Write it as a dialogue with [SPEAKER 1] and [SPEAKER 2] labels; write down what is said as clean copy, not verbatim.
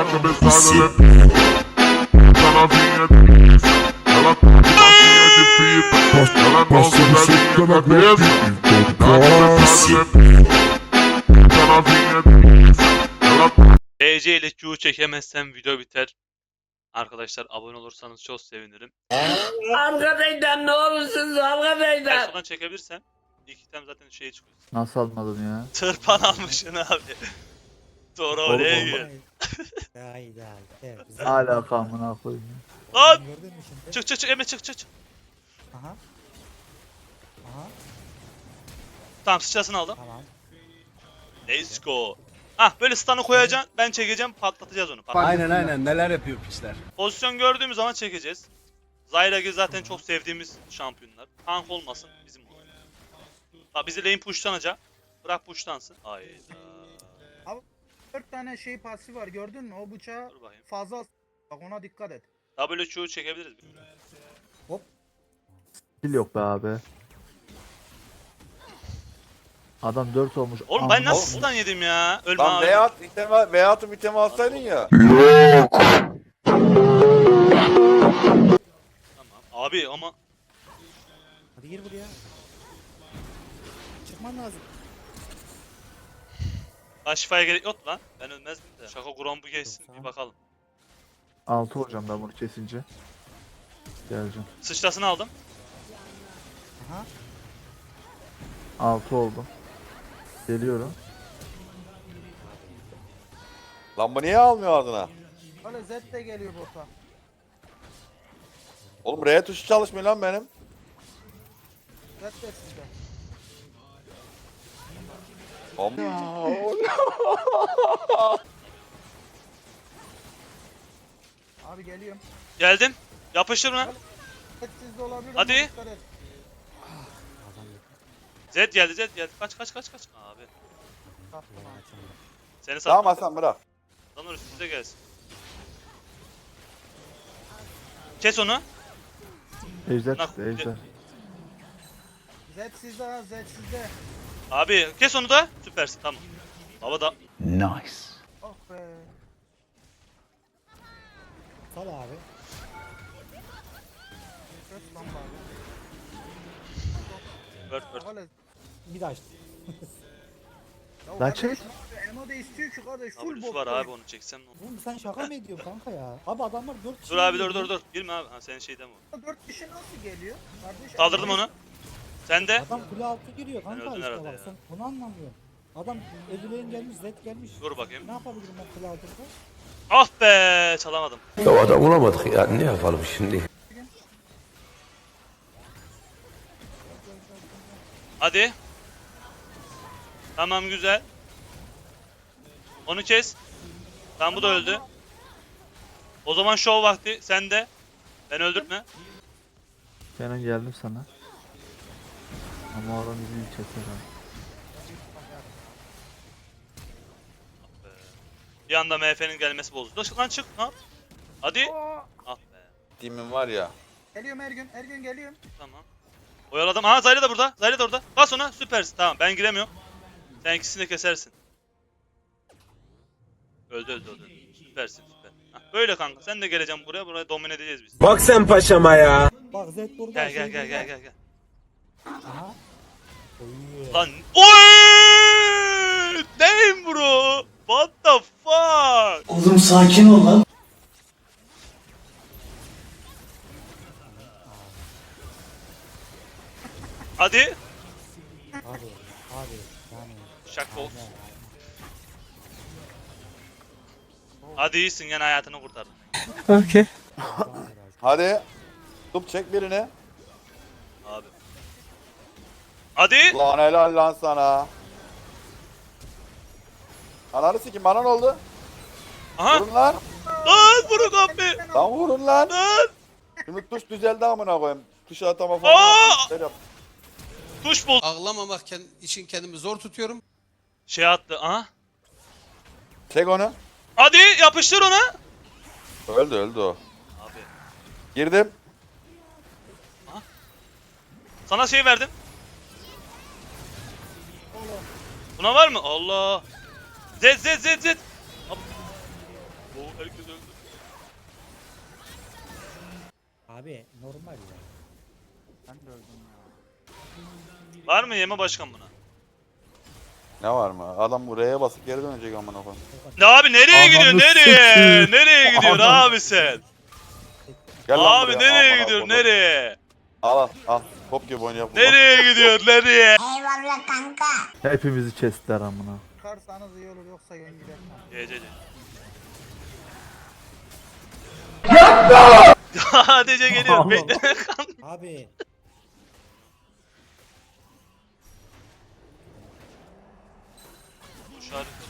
[SPEAKER 1] DC ile Q çekemezsem video biter. Arkadaşlar abone olursanız çok sevinirim.
[SPEAKER 2] Arkadaşlar ne olursunuz
[SPEAKER 1] Ben
[SPEAKER 2] arkadaşlar.
[SPEAKER 1] sonradan çekebilirsem ilk item zaten şeye çıkıyor.
[SPEAKER 3] Nasıl almadın ya?
[SPEAKER 1] Tırpan almışsın abi. Doğru
[SPEAKER 3] Oğlum,
[SPEAKER 1] oraya
[SPEAKER 3] oğlum.
[SPEAKER 1] gir.
[SPEAKER 4] Hayda. Evet, güzel.
[SPEAKER 3] Hala amına koyayım.
[SPEAKER 1] Lan!
[SPEAKER 4] Gördün mü şimdi?
[SPEAKER 1] Çık Emre çık.
[SPEAKER 4] Aha. Aha.
[SPEAKER 1] Tamam sıçrasını aldım.
[SPEAKER 4] Tamam.
[SPEAKER 1] Let's go. Hah böyle stun'ı koyacaksın, ben çekeceğim, patlatacağız onu.
[SPEAKER 5] Aynen neler yapıyor piçler.
[SPEAKER 1] Pozisyon gördüğümüz zaman çekeceğiz. Zyrag'i zaten çok sevdiğimiz şampiyonlar. Tank olmasın, bizim olsun. Bak bizi lane pushlanacak. Bırak pushlansın. Hayda.
[SPEAKER 6] 4 tane şey pasif var gördün mü? O bıçağı
[SPEAKER 1] Dur bakayım.
[SPEAKER 6] fazla bak ona dikkat et.
[SPEAKER 1] WQ çekebiliriz.
[SPEAKER 3] Skill yok be abi. Adam 4 olmuş.
[SPEAKER 1] Oğlum ben
[SPEAKER 3] Amına
[SPEAKER 1] nasıl
[SPEAKER 3] koyayım.
[SPEAKER 1] stun yedim ya? Ölme
[SPEAKER 5] Lan
[SPEAKER 1] abi.
[SPEAKER 5] Veyahut itemi alsaydın ya.
[SPEAKER 1] Tamam. Abi ama
[SPEAKER 4] Hadi gir buraya. Çıkman lazım.
[SPEAKER 1] şifaya gerek yok lan. Ben ölmezdim de. Şaka kuran bu geçsin bir bakalım.
[SPEAKER 3] 6 hocam ben bunu kesince. Geleceğim.
[SPEAKER 1] Sıçrasını aldım.
[SPEAKER 4] Aha.
[SPEAKER 3] 6 oldum. Geliyorum.
[SPEAKER 5] Lan bu niye almıyor ardına?
[SPEAKER 6] Öyle Z de geliyor bota.
[SPEAKER 5] Oğlum R tuşu çalışmıyor lan benim.
[SPEAKER 6] Z de sizde. Abi geliyorum.
[SPEAKER 1] Geldim. Yapıştır mı?
[SPEAKER 6] Z sizde olabilir
[SPEAKER 1] Hadi.
[SPEAKER 6] ama dikkat et.
[SPEAKER 1] Zed geldi. Kaç. Abi.
[SPEAKER 6] Tamam.
[SPEAKER 1] Seni
[SPEAKER 5] Tamam
[SPEAKER 1] sattım.
[SPEAKER 5] Hasan bırak.
[SPEAKER 1] Lan üstümüze gelsin. Kes onu.
[SPEAKER 3] Ejder
[SPEAKER 1] Nak-
[SPEAKER 3] çıktı ejder.
[SPEAKER 6] Z sizde ha Z sizde.
[SPEAKER 1] Abi kes onu da. Süpersin tamam. Baba da
[SPEAKER 6] Oh be.
[SPEAKER 4] Sal abi.
[SPEAKER 6] Kötü lan bari.
[SPEAKER 1] Word.
[SPEAKER 6] Öyle.
[SPEAKER 4] Bir daha açtı.
[SPEAKER 6] Ya
[SPEAKER 3] Lan
[SPEAKER 6] kardeş,
[SPEAKER 3] çek.
[SPEAKER 6] ne yapıyor? Emo da istiyor ki kardeş full
[SPEAKER 1] W'su
[SPEAKER 6] bot.
[SPEAKER 1] var abi onu çeksem ne olur.
[SPEAKER 4] Oğlum sen şaka mı ediyorsun kanka ya? Abi adamlar 4 kişi.
[SPEAKER 1] Dur abi
[SPEAKER 4] geliyor.
[SPEAKER 1] dur. Girme abi. Ha senin şeyden mi?
[SPEAKER 6] 4 kişi nasıl geliyor? Kardeş,
[SPEAKER 1] Kaldırdım
[SPEAKER 6] Emo-
[SPEAKER 1] onu. Sen de.
[SPEAKER 4] Adam kule altı giriyor kanka
[SPEAKER 1] öldün
[SPEAKER 4] işte
[SPEAKER 1] herhalde
[SPEAKER 4] bak
[SPEAKER 1] ya.
[SPEAKER 4] sen onu anlamıyorum. Adam Ezuleyn gelmiş, Zed gelmiş.
[SPEAKER 1] Dur bakayım.
[SPEAKER 4] Ne yapabilirim ben kule altında?
[SPEAKER 1] Ah be çalamadım.
[SPEAKER 7] Ya adam bulamadık ya ne yapalım şimdi?
[SPEAKER 1] Hadi. Tamam güzel. Onu kes. Tamam bu da öldü. O zaman show vakti sende. Ben öldürtme.
[SPEAKER 3] Kenan geldim sana. Ama oradan bizi çeker abi.
[SPEAKER 1] Bir anda MF'nin gelmesi bozdu. Lan çık. Ne yap? Hadi.
[SPEAKER 6] Oo,
[SPEAKER 1] Ah be.
[SPEAKER 5] Timin var ya.
[SPEAKER 6] Geliyorum Ergün geliyorum.
[SPEAKER 1] Tamam. Oyaladım. Aha Zayla da burada. Zayla da orada. Bas ona. Süpersin. Tamam ben giremiyorum. Sen ikisini de kesersin. Öldü. Süpersin. Hah, böyle kanka. Sen de geleceksin buraya. Burayı domine edeceğiz biz.
[SPEAKER 8] Bak sen paşama ya.
[SPEAKER 4] Bak Zed burada.
[SPEAKER 1] Gel.
[SPEAKER 4] Gel. Aha. Oy.
[SPEAKER 1] Lan. Oy! Damn bro. What the fuck?
[SPEAKER 2] Oğlum sakin ol lan.
[SPEAKER 1] Hadi.
[SPEAKER 4] Abi yani.
[SPEAKER 1] Şaka olsun. Hadi iyisin gene hayatını kurtardın.
[SPEAKER 5] Hadi. Tup çek birini.
[SPEAKER 1] Abi. Hadi.
[SPEAKER 5] Lan helal lan sana. Ananı sikim bana ne oldu?
[SPEAKER 1] Aha.
[SPEAKER 5] Vurun lan.
[SPEAKER 1] Lan vurun abi.
[SPEAKER 5] Lan vurun lan.
[SPEAKER 1] Lan.
[SPEAKER 5] Şimdi tuş düzeldi amına koyayım. Tuşa atama falan.
[SPEAKER 1] Aa!
[SPEAKER 5] Şey yap.
[SPEAKER 1] Tuş bul.
[SPEAKER 7] Ağlamamak için kendimi zor tutuyorum.
[SPEAKER 1] Şey attı. Aha.
[SPEAKER 5] Çek onu.
[SPEAKER 1] Hadi yapıştır ona.
[SPEAKER 5] Öldü o.
[SPEAKER 1] Abi.
[SPEAKER 5] Girdim.
[SPEAKER 1] Sana şey verdim. Buna var mı? Allah. Zed. Abi. Herkes öldü.
[SPEAKER 4] Abi normal ya.
[SPEAKER 6] Ben de öldüm ya.
[SPEAKER 1] Var mı yeme başkan buna?
[SPEAKER 5] Ne var mı? Adam buraya basıp geri dönecek amına koyayım.
[SPEAKER 1] Ne abi nereye
[SPEAKER 3] Ananı
[SPEAKER 1] gidiyor nereye?
[SPEAKER 3] sikeyim.
[SPEAKER 1] Nereye gidiyor
[SPEAKER 3] Ananı-
[SPEAKER 1] abi sen?
[SPEAKER 5] Gel lan
[SPEAKER 1] Abi
[SPEAKER 5] buraya,
[SPEAKER 1] nereye
[SPEAKER 5] amına
[SPEAKER 1] gidiyor
[SPEAKER 5] koyayım.
[SPEAKER 1] nereye?
[SPEAKER 5] Al. Top gibi oynayalım.
[SPEAKER 1] Nereye gidiyor nereye?
[SPEAKER 3] Hepimizi kestiler amına.
[SPEAKER 6] Çıkarsanız iyi olur yoksa yön gider.
[SPEAKER 1] GCC. ADC geliyor.
[SPEAKER 3] Allah
[SPEAKER 1] Bekle.
[SPEAKER 4] Abi
[SPEAKER 1] Bu şarkı